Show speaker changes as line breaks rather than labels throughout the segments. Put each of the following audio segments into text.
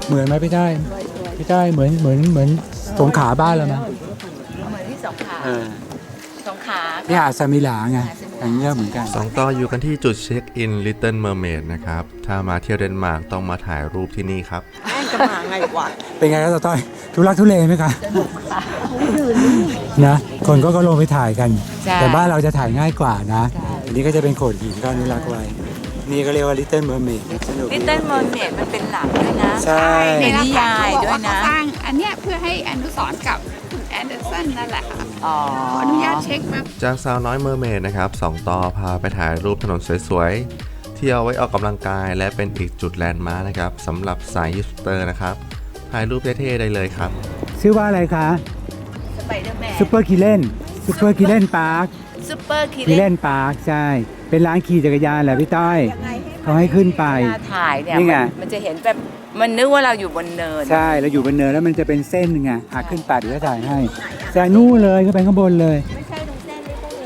เหมือนไหมพี่ได้พี่ได้เหมือนสงขลาบ้านเราไหม
เหมือนที่สงขลาสงขลา
นี่หาดสมิลาไงอย่างเงี้ยเหมือนกัน
สองต่ออยู่กันที่จุดเช็คอิน Little Mermaid นะครับถ้ามาเที่ยวเดนมาร์กต้องมาถ่ายรูปที่นี่ครับ
แม่งจะมาไงวะ
เป็นไงครับต้อยทุลักทุเลไหมคะนะคนก็ลงไปถ่ายกัน แต่บ้านเราจะถ่ายง่ายกว่านะอันนี้ก็จะเป็นโขดหินก็อนุรักษ์ไว้นี่ก็เรียกว่า Little Mermaid สนุก
ลิตเติ้ลเมอร์เมดมันเป็นหลักด้วยนะ
ใช่
ในนิยายด้วยนะ
เขาสร้างอันเนี้ยเพื่อให้อนุสรณ์กับคุณแอนเดอร์สันนั่นแหละค่ะ
อ๋อ
ขออนุญาตเช็คมา
จากสาวน้อยเมอร์เมดนะครับสองต่อพาไปถ่ายรูปถนนสวยๆที่เอาไว้ออกกำลังกายและเป็นอีกจุดแลนด์มาร์คนะครับสำหรับสายฮิปสเตอร์นะครับถ่ายรูปเท่ๆได้เลยครับ
ชื่อว่าอะไรคะ
สไปเดอร์แมน
ซูเปอร์คิเลนพาร์ค
ซูเปอร์คิ
คิเล
เลน
นพาร์คใช่ เป็นร้านขี่จักรยานแหละพี่ต้อยเขาให้ขึ้นไป
เวลาถ่ายเนี่ย
นี่ไง
มันจะเห็นแบบมันนึกว่าเราอยู่บนเนิน
ใช่เราอยู่บนเนินแล้วมันจะเป็นเส้นไงขึ้นไปเดี๋ยวจะถ่ายให้แต่นู่นเลยก็ไปข้างบนเลยไม่ใช่ตรงเส้น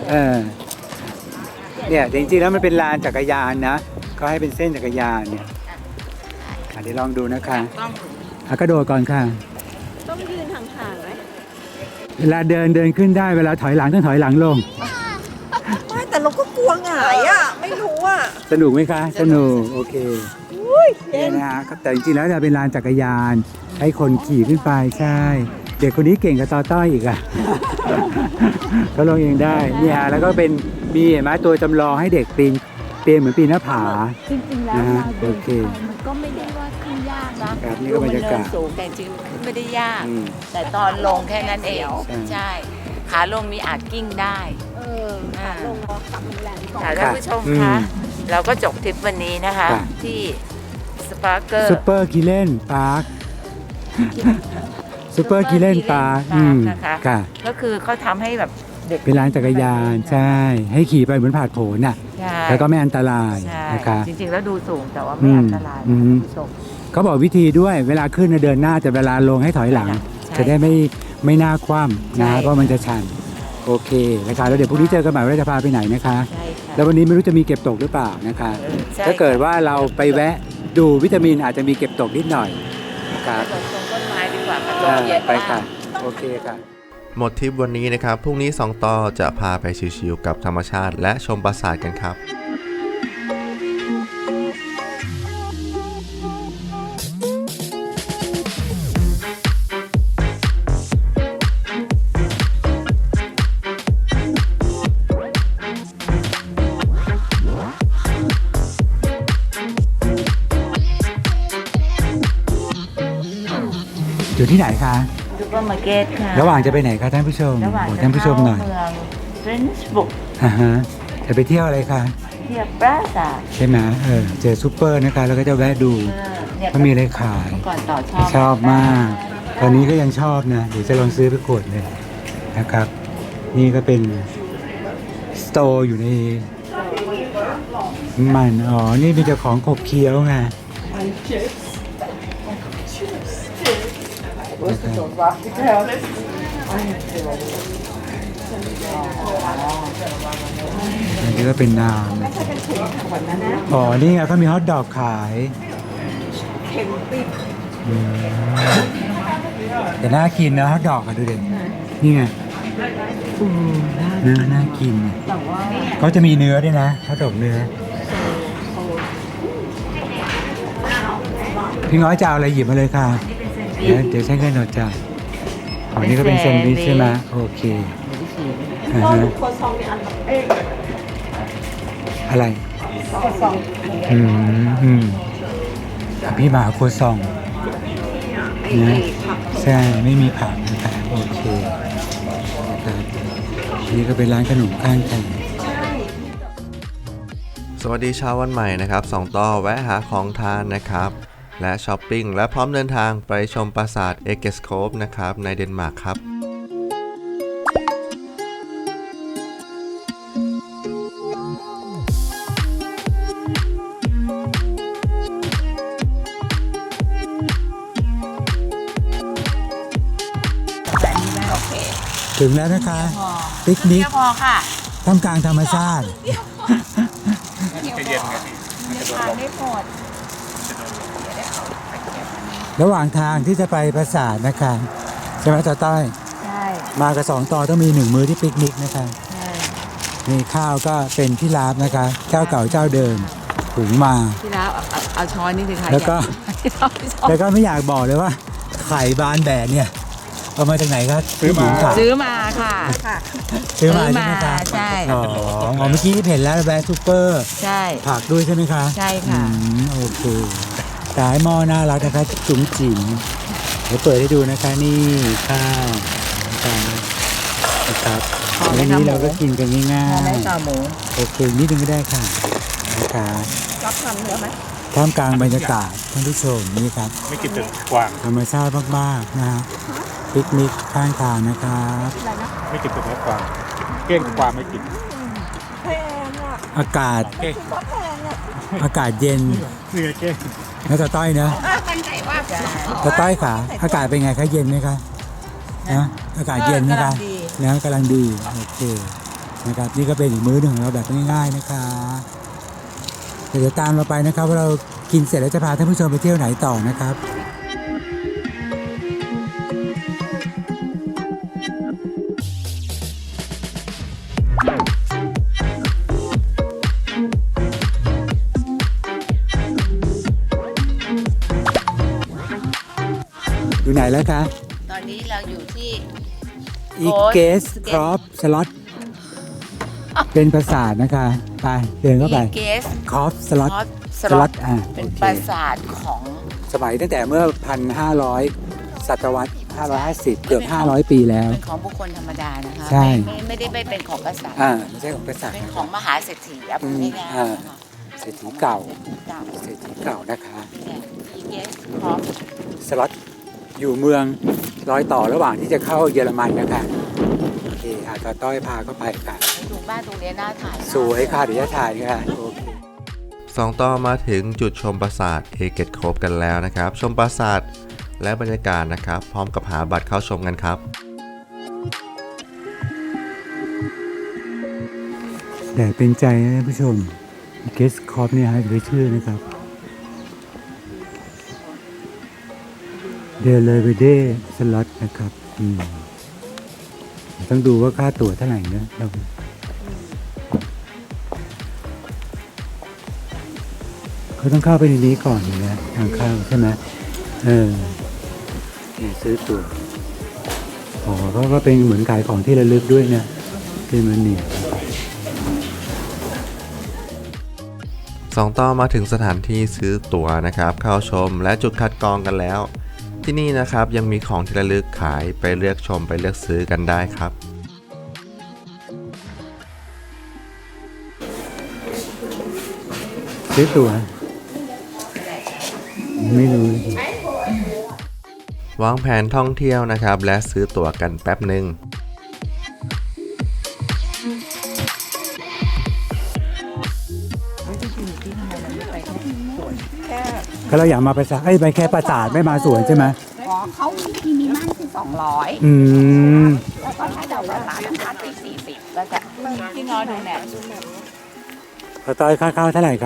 เนี่ยจริงๆแล้วมันเป็นลานจักรยานนะเขาให้เป็นเส้นจักรยานเนี่ยเดี๋ยวลองดูนะคะกระโดดก่อนค่ะ
ต้องยืนห่างๆไหม
เวลาเดินขึ้นได้เวลาถอยหลังต้องถอยหลังลง
ไม่แต่เราก็กลัวหงายอ่ะไม่รู้อ่ะ
สนุกไหมคะสนุกโอเคเนี่ยนะฮะแต่จริงๆแล้วจะเป็นลานจักรยานให้คนขี่ขึ้นไปใช่ เด็กคนนี้เก่งกับต่อต้อยอีกอ่ะ เขาลงเองได้เนี่ยแล้วก็เป็นมีเห็นไหมตัวจำลองให้เด็กปีนเหมือนปีนหน้าผา
จริงๆแล้ว
นะฮะ
เราเดิ
โอน เค
มันก็ไม่ได้ว่าขึ้นยากนะครับ
นี่ก็บรรยากาศ
ดูมันเนินสูงแต่จริงๆมันขึ้นไม่ได้ยาก
อืม
แต่ตอนลงแค่นั้นเอง
ใช่
ใช่ขาลงมีอาจกิ้งได้
ขาลงกลับมันแรงก่อน
ค่ะท่านผู้ชมคะ เราก็จบทริปวันนี้นะคะ
ค่ะ
ที่สปาร์เกอร์
ซูเปอร์กิเลนพาร์คซูเปอร์กิเลนพาร์ค
นะคะ
ค่ะ
ก็คือเขาทำให้แบบเด็ก
เป็นร้านจักรยานใช่ ให้ขี่ไปเหมือนผาดโผนน่ะ
ใช่
แล้วก็ไม่อันตราย
ใช่
นะคะ
จริงๆแล้วดูสูงแต่ว่าไม่อันตราย
อืม
ท่านผู้ชม
เขาบอกวิธีด้วยเวลาขึ้นน่ะเดินหน้าแต่เวลาลงให้ถอยหลัง
ใช่
จะได้ไม่น่าคว่ำนะ
ใช่
เพราะมันจะชันโอเคนะคะแล้วเดี๋ยวพรุ่งนี้เจอกันใหม่ว่าจะพาไปไหนนะคะ
ใช่ค่ะ
แล้ววันนี้ไม่รู้จะมีเก็บตกหรือเปล่านะคะ
ใช่
ถ้าเกิดว่าเราไปแวะดูวิตามินอาจจะมีเก็บตกนิดหน่อยนะครับ
ไปตรงต้นไม้ดีกว่าค่ะล
อ่าม
เย็น
ไป
มา
ค่ะ
ก
โอเคค่ะ
หมดทริปวันนี้นะครับพรุ่งนี้สองต่อจะพาไปชิลๆกับธรรมชาติและชมปราสาทกันครับ
อยู่ที่ไหนคะ
ซูเปอร์มาร์เก็ตค่ะ
ระหว่างจะไปไหนคะท่านผู้ชม
ระหว่าง
บอก
จะ
ท่านผู้ชมหน่อย
เข้าเมืองเฟรนช์บุก
อ่าฮะจะไปเที่ยวอะไรคะ
เที่ยวปราสาท
ใช่ไหมเจอซูเปอร์นะคะแล้วก็จะแวะดู
เนี่ย
เขามีอะไรขาย
ก่อนต่อชอบ
ชอบมาก ตอนนี้ก็ยังชอบนะเดี๋ยวจะลองซื้อไปขวดเลยนะครับ นี่ก็เป็นสโตร์อยู่ในมันอ๋อ นี่มีแต่ของขบเคี้ยวไงอันนี้ก็เป็นน้ำอ๋อ นี่ไงเขามีฮอทดอกขายอืมแต่น่ากินนะฮอทดอกอะดูเด็นี่ไงน่ากินเขาจะมีเนื้อด้วยนะฮอทดอกเนื้อ พี่น้อยจะเอาอะไรหยิบมาเลยค่ะ เดี๋ยวใช้เงินหนดจ่ายอ๋อนี่ก็เป็นแซนด์วิชใช่ไหมโอเคอ่าฮะอะไรพี่หมาครัวซองนะใช่ไม่มีผักนะครับโอเคนะครับนี่ก็เป็นร้านขนมข้างทาง
สวัสดีเช้าวันใหม่นะครับสองต่อแวะหาของทานนะครับและช้อปปิ้งและพร้อมเดินทางไปชมปราสาทเอเกสโคปนะครับในเดนมาร์กครับ
ถึงแล้วนะคะปิกนิก
พอค่ะ
ท่ามกลางธรรมชาติ
ทานได้หมด
ระหว่างทางที่จะไปปราสาทนะคะใช่ไหมต่อต้อย
ใช่
มากับ2 ต่อต้องมี1 มื้อที่ปิกนิกนะคะ
ใช่
นี่ข้าวก็เป็นที่ลาบนะคะ เจ้าเก่าเจ้าเดิมหุงมา
ที่แล้วเอาช้อนนี่สิคะ
แล้วก็
เอาช้อน
แล้วก็ไม่อยากบอกเลยว่า ไข่บานแบกเนี่ยเอามาจากไหนครับซื้อมา
ซื้อมาค่ะ
ซื้อมาใช่ไหมคะ
ใช่
อ๋อเมื่อกี้เห็นแล้วแบรนด์ซูเปอร์
ใช่
ผักด้วยใช่ไหมคะ
ใช่ค่ะ
โอเคสายหม้อน่ารักนะคะจุ๋มจิ๋มเดี๋ยวเปิดให้ดูนะคะนี่ข้าวนะครับวันนี้เราก็กินกันง่าย
พอไหมต่อหมู
ๆโอเคนิดนึงก็ได้ค่ะนะคะรับทำเยอะไหมท่ามกลางบรรยากาศท่านผู้ชมนี่ครับ
ไม่กินแต่กวาง
ธรรมชาติมากๆนะฮะปิกนิกข้างทางนะครับ
ไม่กินแต่เนื้อกวางเก้งกวางไม่กิน
อากาศ
เก้ง
อากาศเย็น
นี่ไงเก้ง
นะตาต้อยนะ
มั่นใจว่า
ตาต้อยขาอากาศเป็นไงคะเย็นไหมคะนะอากาศเย็นนะคะนะกำลังดีโอเคนะครับนี่ก็เป็นอีกมื้อหนึ่งของเราแบบง่ายๆนะคะเดี๋ยวตามเราไปนะครับว่าเรากินเสร็จแล้วจะพาท่านผู้ชมไปเที่ยวไหนต่อนะครับ อยู่ไหนแล้วคะ
ตอนนี้เราอยู่ที่
อีเกสครอปสล็อตเป็นปราสาทนะคะไปเดินเข้าไป
เกส
ครอปสล็อต
สล็อต
โอ
เป็น
เค
ปราสาทของ
สมัยตั้งแต่เมื่อ 1,500 ศตวรรษ550 เกือบ 500 ปีแล้ว
เป็นของบุคคลธรรมดานะคะ
ใช่
ไม่ได้ไปเป็นของกษัตริย์
ไม่ใช่ของกษัตริย์
เป็น
นะ
ข
ค
อ
รั
ง
บ
มหาเศรษฐีอ่ะพูดง่ายๆนะคะ
เศรษฐีเก่า
เก่า
เศรษฐีเก่านะคะ
อีเกสพร้อม
สล็อตอยู่เมืองรอยต่อระหว่างที่จะเข้าเยอรมันนะคะโอเคตาต้อยพาเข้าไปค่ะ
ดูบ้านตรงนี้น่าถ่ายมาก
สวยค่ะเดี๋ยวจะถ่ายค่ะโอเค
2 ต่อมาถึงจุดชมปราสาทเอเกตโคบกันแล้วนะครับ ชมปราสาทและบรรยากาศนะครับ พร้อมกับหาบัตรเข้าชมกันครับ
แดดเป็นใจนะท่านผู้ชมเกสคอปเนี่ยฮะจะไปชื่อนะครับเดลเวเดสล็อตนะครับต้องดูว่าค่าตั๋วเท่าไหร่นะเราเขาต้องเข้าไปในนี้ก่อนนะทางเข้าใช่ไหมเนี่ยซื้อตั๋วเขาก็เป็นเหมือนขายของที่ระลึกด้วยนะเป็นมันเนี่ย
2 ต่อมาถึงสถานที่ซื้อตั๋วนะครับ เข้าชมและจุดคัดกรองกันแล้ว ที่นี่นะครับยังมีของที่ระลึกขายไปเลือกชมไปเลือกซื้อกันได้ครับ
ซื้อตั๋วไม่รู้
วางแผนท่องเที่ยวนะครับ และซื้อตั๋วกันแป๊บหนึ่ง
ก็เราอยากมาประสาทไปแค่ประสาทไม่มาสวนใช่ไหม
ขอเขาที่มีมั่นคือ200
อืม
แล้วก็ถ้าเราประมาณพันไป40ก็จะ
ที่น้อยดูเนี่ย
พอต้อยค่าข้าวเท่าไหร่คะ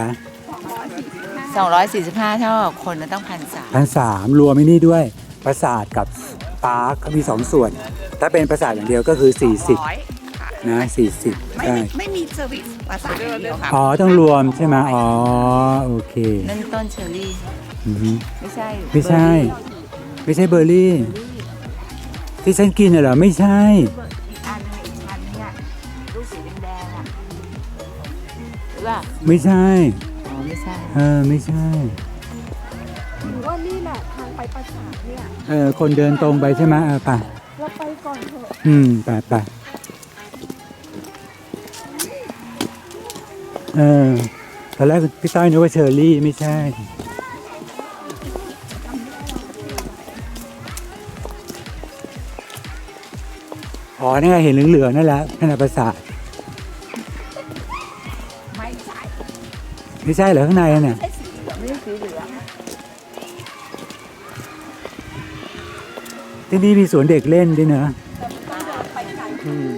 245เท่ากับคนนะต้อง1,300
1,300รวมไม่นี่ด้วยประสาทกับปาร์คเขามี2 ส่วน ถ้าเป็นประสาทอย่างเดียวก็คือ 40
ค่ะ
นะ40ได้
ไม่มีเซอร์วิสประสาทอย่างเดียวค่ะ
อ๋อต้องรวมใช่ไหมอ๋อโอเค
นั่นต้นเชอร์รี่
อือฮึ
ไม่ใช่
ไม่ใช่ ไม่ใช่เบอร์รี่ ที่ฉันกินน่ะเหรอไม่ใช่
อีกอันนึงอีกชั้นเนี่ยลูกสีแดงๆอ่ะหรือเปล่า
ไม่ใช่
อ๋อไม่ใช่
ไม่ใช่
หรือว่านี่แหละทางไปปราสาทเนี่ย
คนเดินตรงไปใช่ไหมไป
เราไปก่อนเถอะ
ไปตอนแรกพี่ต้อยนึกว่าเชอร์รี่ไม่ใช่ อ๋อนี่ไงเห็นเหลืองๆนั่นแหละนั่นแหละประสาท
ไม่ใช่
ไม่ใช่เหรอข้างในน่ะ
ไม่ใช่สีเหลือง
ที่นี่มีสวนเด็กเล่นด้วยเนอะอืม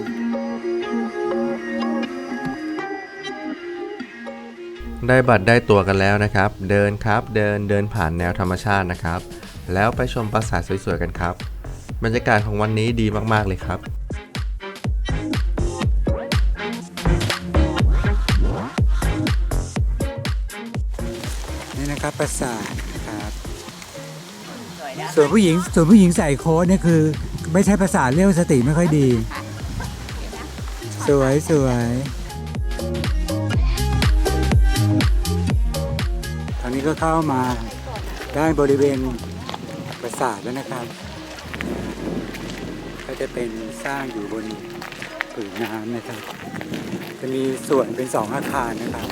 ได้บัตรได้ตั๋วกันแล้วนะครับ เดินครับเดินผ่านแนวธรรมชาตินะครับแล้วไปชมปราสาทสวยๆกันครับบรรยากาศของวันนี้ดีมากๆเลยครับ
นี่นะครับปราสาทนะครับ
สวยนะ
ส่วนผู้หญิงใส่โค้ทเนี่ยคือ ไม่ใช่ปราสาทเรียกสติไม่ค่อยดี สวยตอนนี้ก็เข้ามาด้านบริเวณปราสาทแล้วนะครับ ก็จะเป็นสร้างอยู่บนผืนน้ำนะครับ จะมีส่วนเป็น2อาคารนะครับ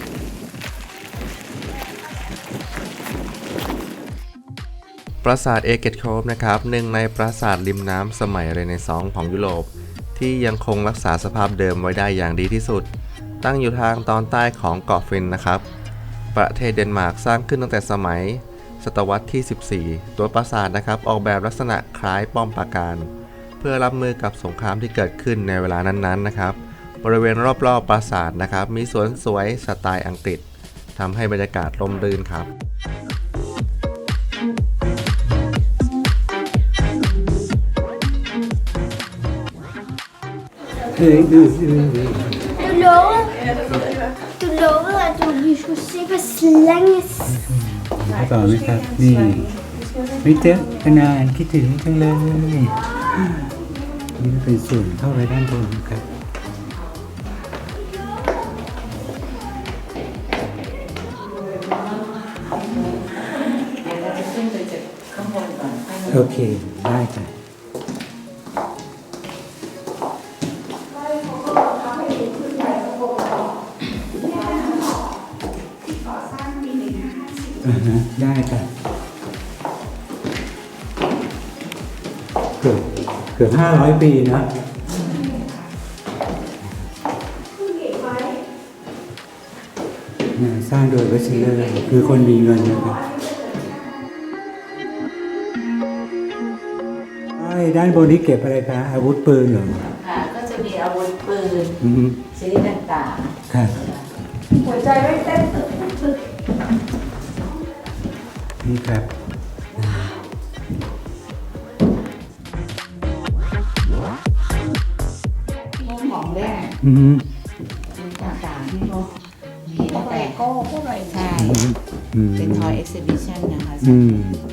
ปราสาทเอเกตโคฟนะครับหนึ่งในปราสาทริมน้ำสมัยเรเนซองส์ของยุโรปที่ยังคงรักษาสภาพเดิมไว้ได้อย่างดีที่สุด ตั้งอยู่ทางตอนใต้ของเกาะฟินนะครับ ประเทศเดนมาร์กสร้างขึ้นตั้งแต่สมัยศตวรรษที่ 14 ตัวปราสาทนะครับออกแบบลักษณะคล้ายป้อมปราการ เพื่อรับมือกับสงครามที่เกิดขึ้นในเวลานั้นๆนะครับบริเวณรอบๆปราสาทนะครับมีสวนสวยสไตล์อังกฤษทำให้บรรยากาศร่มรื่นครับ
Du lovede, at vi skulle se, hvor slange
ต่อไหมครับ นี่ ไม่เจอกันนานคิดถึงจังเลย นี่เป็นส่วนเข้าไปด้านบนครับ
เราจะขึ้นไปจากข้างบนก่อนค่อยลง
โอเค ได้ค่ะได้ค่ะเกือบ500 ปีนะสร้างโดยเวสเลอร์คือคนมีเงินนะครับด้านบนนี้เก็บอะไรคะอาวุธปืนเหรอ
ค่ะ ก็จะมีอาวุธปืน
อืม
ชนิดต่าง
ค่ะ
หัวใจไม่เต้นตึกตึก
นี่ครับ
ๆพวกของเล่น
อืม
ต่างๆที่เขามีตั้งแต่
ก็พวกอะไร
ใช่
อืม
เป็นทอยเอ็กซิบิชันนะคะ
อืม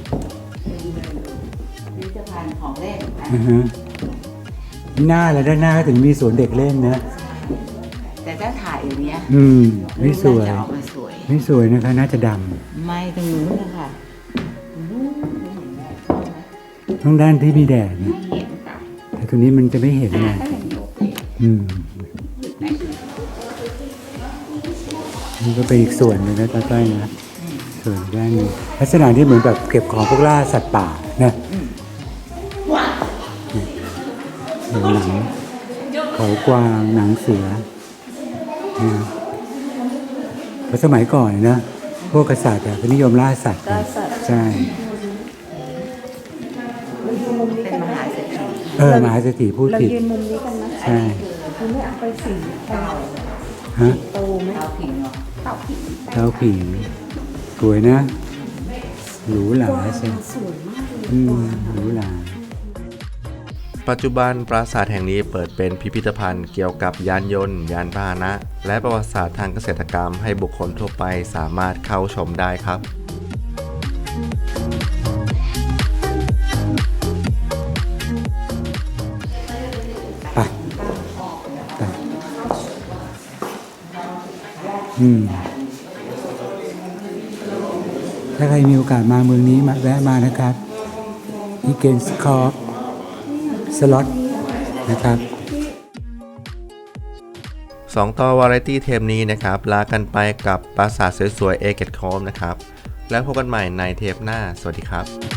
พิพิธภัณฑ์ของเล่นนะ
อ่าฮะหน้าแล้วด้านหน้าก็ถึงมีสวนเด็กเล่นนะ
แต่ถ้าถ่ายอย่างเนี้ย
อืม ไม่สวย
น่าจะออกมาสวย
ไม่สวยนะคะ น่าจะด
ไม่ตรงนู้นนะคะตรงนู้นไม่เห็นแดดเข้าไหม
ำทั้งด้านที่มีแดดนะ
ไม่เห็นค่ะ
แต่ตรงนี้มันจะไม่เห็นไง
ก็เห็นอยู่
อืมนี่ก็เป็นอีกส่วนหนึงนะใต้ๆนะส่วนด้านหนึงลักษณะที่เหมือนแบบเก็บของพวกล่าสัตว์ป่านะหนังเขากวางหนังเสือนะเพราะสมัยก่อนนะพวกกษัตริย์ก็นิยมล่าสัตว์กันใช่
เป็นมหาเศรษฐี
มหาเศรษฐีพูด
เรา
ผิด
ยืนมุมนี้กันนะ
ใช่
คุณไม่เอาไปสีเตา
ฮะ
โตไหม
เตาผิงเหรอ
เตาผิง
เท้าผิงสวยนะหรูหราใช่
สวยมากเลย
อืมหรูหรา
ปัจจุบันปราสาทแห่งนี้เปิดเป็นพิพิธภัณฑ์เกี่ยวกับยานยนต์ ยานพาหนะ และประวัติศาสตร์ทางเกษตรกรรมให้บุคคลทั่วไปสามารถเข้าชมได้ครับ
ไปไปอืมถ้าใครมีโอกาสมาเมืองนี้มาแวะมานะครับอีเกนสคอร์สล็อตนะครับ
2 ต่อวาไรตี้เทปนี้นะครับลากันไปกับปราสาทสวยๆเอเกตโคฟนะครับแล้วพบกันใหม่ในเทปหน้าสวัสดีครับ